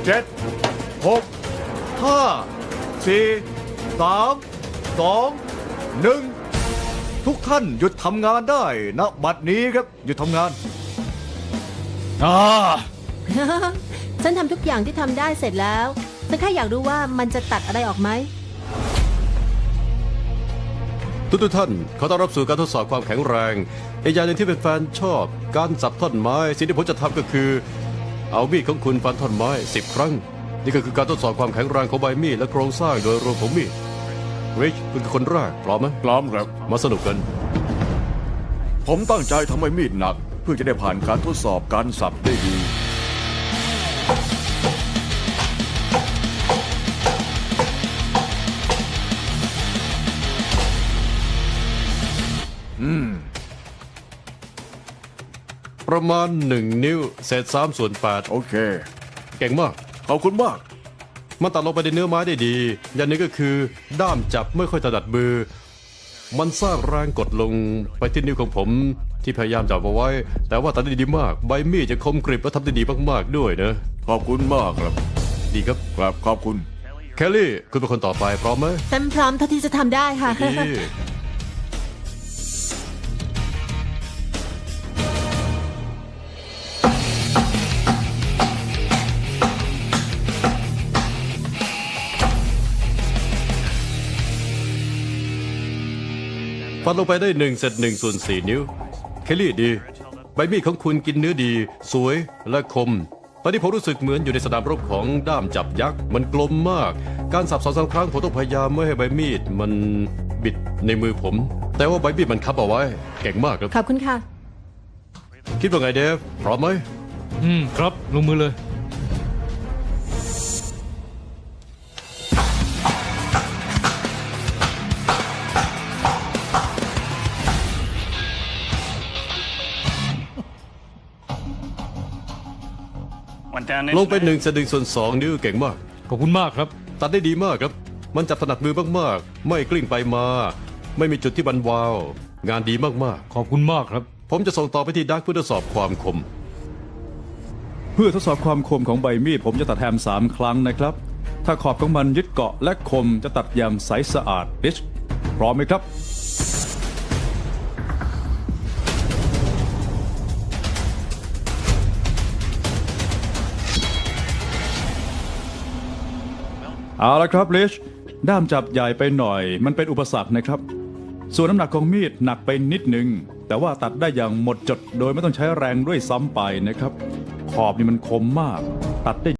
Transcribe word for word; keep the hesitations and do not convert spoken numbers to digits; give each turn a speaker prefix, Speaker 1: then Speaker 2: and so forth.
Speaker 1: เจ็ดหกห้าสี่สามสองหนึ่งทุกท่านหยุดทำงานได้ณบัดนี้ครับหยุดทำงาน
Speaker 2: อ่า
Speaker 3: ฉันทำทุกอย่างที่ทำได้เสร็จแล้วฉันแค่อยากรู้ว่ามันจะตัดอะไรออกไหม
Speaker 4: ทุกทุกท่านขอต้อนรับสู่การทดสอบความแข็งแรงอีกอย่างหนึ่งที่เป็นแฟนชอบการสับท่อนไม้สิ่งที่ผมจะทำก็คือ เอามีดของคุณฟันท่อนไม้สิบครั้งนี่ก็คือการทดสอบความแข็งแรงของใบมีดและโครงสร้างโดยรวมของมีดริชคุณคือคนแรกพร้อมไหม
Speaker 2: พร้อมครับ
Speaker 4: มาสนุกกัน
Speaker 2: ผมตั้งใจทำให้มีดหนัก เพื่อจะได้ผ่านการทดสอบการสับได้ดี
Speaker 4: ประมาณหนึ่งนิ้วเศษสามส่วนแปด
Speaker 2: โอเค
Speaker 4: เก่งมาก
Speaker 2: ขอบคุณมาก
Speaker 4: มันตัดลงไปในเนื้อไม้ได้ดี อย่างหนึงก็คือด้ามจับไม่ค่อยถนัดมือ มันสร้างแรงกดลงไปที่นิ้วของผมที่พยายามจับเอาไว้ แต่ว่าตัดได้ดีมาก ใบมีดจะคมกริบและทำได้ดีมากๆด้วยนะ
Speaker 2: ขอบคุณมากครับ
Speaker 4: ดีครับ
Speaker 2: ครับขอบคุณ
Speaker 4: แคลลี่คุณเป็นคนต่อไปพร้อมไหม
Speaker 3: ฉันพร้อมเท่าที่จะทำได้ค่ะ
Speaker 4: ดี ฟันลงไปได้หนึ่งเศษหนึ่งส่วนสี่นิ้ว เคลลี่ดี ใบมีดของคุณกินเนื้อดี สวยและคม ตอนนี้ผมรู้สึกเหมือนอยู่ในสนามรบของด้ามจับยักษ์ มันกลมมาก การสับสองสามครั้งผมต้องพยายามไม่ให้ใบมีดมันบิดในมือผม แต่ว่าใบมีดมันคับเอาไว้ เก่งมากครับ
Speaker 3: ขอบคุณค่ะ
Speaker 4: คิดว่าไงเดฟ พร้อมไหม
Speaker 5: อืมครับลงมือเลย
Speaker 4: ลงไปหนึ่งเศษหนึ่งส่วนสองนิ้วเก่งมาก
Speaker 5: ขอบคุณมากครับ
Speaker 4: ตัดได้ดีมากครับ มันจับถนัดมือมากๆ ไม่กลิ้งไปมา ไม่มีจุดที่บันวาว งานดีมาก
Speaker 5: ขอบคุณมากครับ
Speaker 4: ๆ ผมจะส่งต่อไปที่ดักเพื่อทดสอบความคม
Speaker 6: เพื่อทดสอบความคมของใบมีดผมจะตัดแฮมสามครั้งนะครับ ถ้าขอบของมันยึดเกาะและคมจะตัดอย่างใสสะอาดริชพร้อมไหมครับ เอาละครับริชด้ามจับใหญ่ไปหน่อย มันเป็นอุปสรรคนะครับ ส่วนน้ำหนักของมีดหนักไปนิดนึง แต่ว่าตัดได้อย่างหมดจดโดยไม่ต้องใช้แรงด้วยซ้ำไปนะครับ ขอบนี่มันคมมาก ตัดได้